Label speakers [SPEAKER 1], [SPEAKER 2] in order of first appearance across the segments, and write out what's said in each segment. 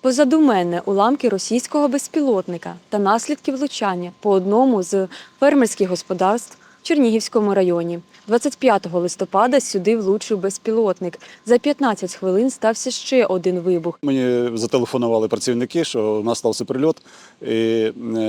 [SPEAKER 1] Позаду мене уламки російського безпілотника та наслідки влучання по одному з фермерських господарств в Чернігівському районі. 25 листопада сюди влучив безпілотник. За 15 хвилин стався ще один вибух.
[SPEAKER 2] Мені зателефонували працівники, що у нас стався прильот. І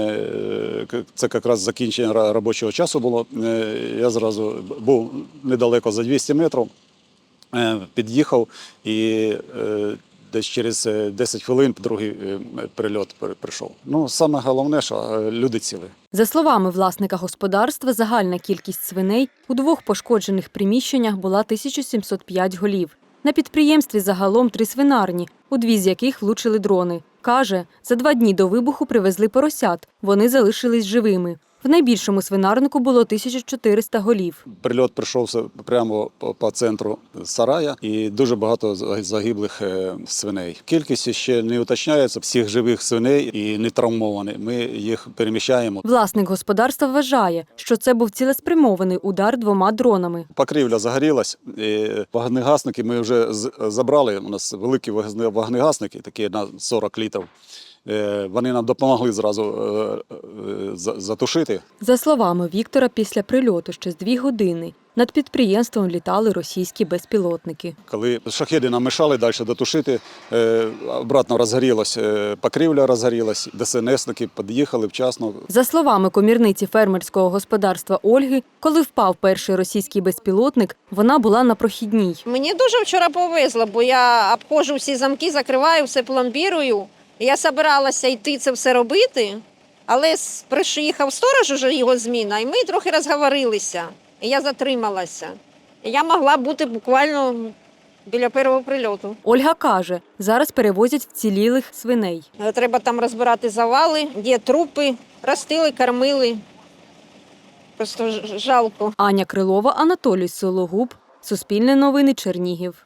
[SPEAKER 2] це якраз закінчення робочого часу було. Я зразу був недалеко за 200 метрів, під'їхав і десь через 10 хвилин другий прильот прийшов. Саме головне, що люди цілі.
[SPEAKER 1] За словами власника господарства, загальна кількість свиней у двох пошкоджених приміщеннях була 1705 голів. На підприємстві загалом 3 свинарні, у 2 з яких влучили дрони. Каже, за 2 дні до вибуху привезли поросят, вони залишились живими. В найбільшому свинарнику було 1400 голів.
[SPEAKER 2] Прильот прийшовся прямо по центру сарая і дуже багато загиблих свиней. Кількість ще не уточняється всіх живих свиней і не травмованих. Ми їх переміщаємо.
[SPEAKER 1] Власник господарства вважає, що це був цілеспрямований удар 2 дронами.
[SPEAKER 2] Покрівля загорілась, і вогнегасники ми вже забрали. У нас великі вогнегасники, такі на 40 літрів. Вони нам допомогли зразу затушити.
[SPEAKER 1] За словами Віктора, після прильоту ще з 2 години над підприємством літали російські безпілотники.
[SPEAKER 2] Коли шахеди нам мешали далі дотушити, обратно розгорілась покрівля, розгорілась, ДСНСники під'їхали вчасно.
[SPEAKER 1] За словами комірниці фермерського господарства Ольги, коли впав перший російський безпілотник, вона була на прохідній.
[SPEAKER 3] Мені дуже вчора повезло, бо я обходжу всі замки, закриваю, все пломбірую. Я збиралася йти це все робити, але приїхав сторож, уже його зміна, і ми трохи розговорилися. І я затрималася. І я могла бути буквально біля першого прильоту.
[SPEAKER 1] Ольга каже, зараз перевозять вцілілих свиней.
[SPEAKER 3] Треба там розбирати завали, де трупи, ростили, кормили. Просто жалко.
[SPEAKER 1] Аня Крилова, Анатолій Сологуб, Суспільне новини, Чернігів.